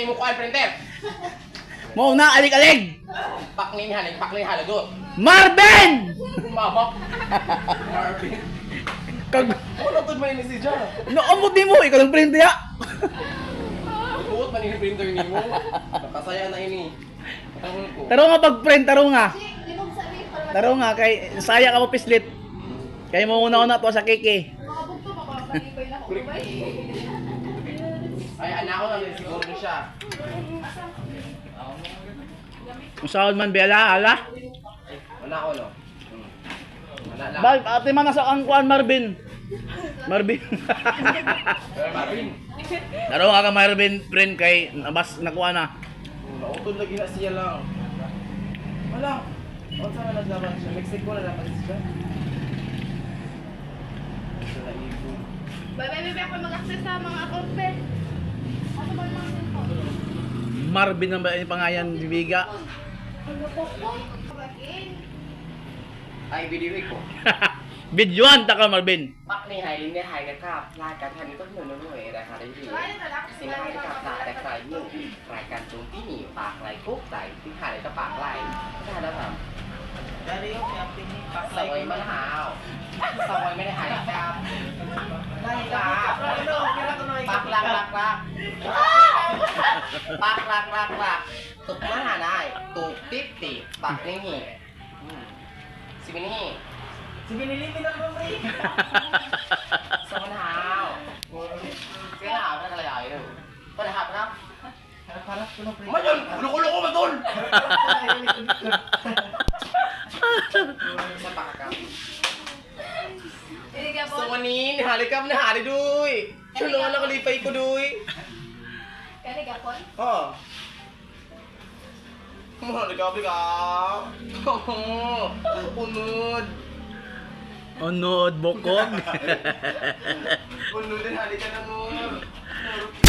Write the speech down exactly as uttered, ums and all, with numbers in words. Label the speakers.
Speaker 1: ni mo kuan printer.
Speaker 2: Mo na alig-alig.
Speaker 1: Paknin halig, paknin halagot.
Speaker 2: Marvin!
Speaker 1: Mama. Marvin.
Speaker 2: Kag
Speaker 1: Ano to ba ni si Ja?
Speaker 2: naamot mo ikaw lang print ya.
Speaker 1: Buot man ni printer ni mo. Nakasaya na ini. Tangon ko.
Speaker 2: Taro nga pag print taro nga. Taro nga kay saya ka mo pislit. Kay mo una-una to sa kiki.
Speaker 1: Ay anak ko lang siguro ni siya.
Speaker 2: Usaon man bela ala.
Speaker 1: Anak ko no. Anak lang.
Speaker 2: Bal ate man nasa ang kuan Marvin. Marvin.
Speaker 1: Marvin.
Speaker 2: Taro nga ka Marvin print kay nabas nakuha na.
Speaker 1: Nautod lagi na siya lang. Wala. Unsa man naglaban siya? Mexico na dapat siya. Sa ibo.
Speaker 3: Bye bye bye ako mag-access sa mga account pe. Ano ba yung mga cellphone?
Speaker 2: Marvin ang ba yung pangayan bibiga.
Speaker 3: Ano po po? Bagin.
Speaker 1: Ay video ko.
Speaker 2: Videoan ta ka Marvin.
Speaker 1: ปักในไฮลินในไฮนะครับรายการทันนี้ต้นหนึ่งหน่วยรายการได้ดีสิ่งไฮนะครับหลายแต่ใครหนึ่งรายการโจมตีหนีปากไหลคุกใส่ที่หายก็ปากไหลได้แล้วครับ
Speaker 4: Dari yung camping ni
Speaker 1: สวยมันหาวสวยไม่ได้หายครับได้ครับปากลักลักลักปากลักลักลักตุกมันหาได้ตุกติ๊บติปากนี่สิบนี่
Speaker 4: Si Binilimi na ba, Ray?
Speaker 1: สมนาวเสียหาวเป็นอะไรใหญ่เลยปัญหาครับ
Speaker 4: Harap-harap ko na, Ray.
Speaker 1: ไม่ยนluko-lukoมาตุนsa pakakam.
Speaker 3: Hindi ka po.
Speaker 1: So manin, halikam na hari duy. Tulungan na kalipay ko duy.
Speaker 3: Kani ka po?
Speaker 1: Oh. Halikam, halikam. Oh, unod.
Speaker 2: Unod bokog.
Speaker 1: Unod din halika na mo.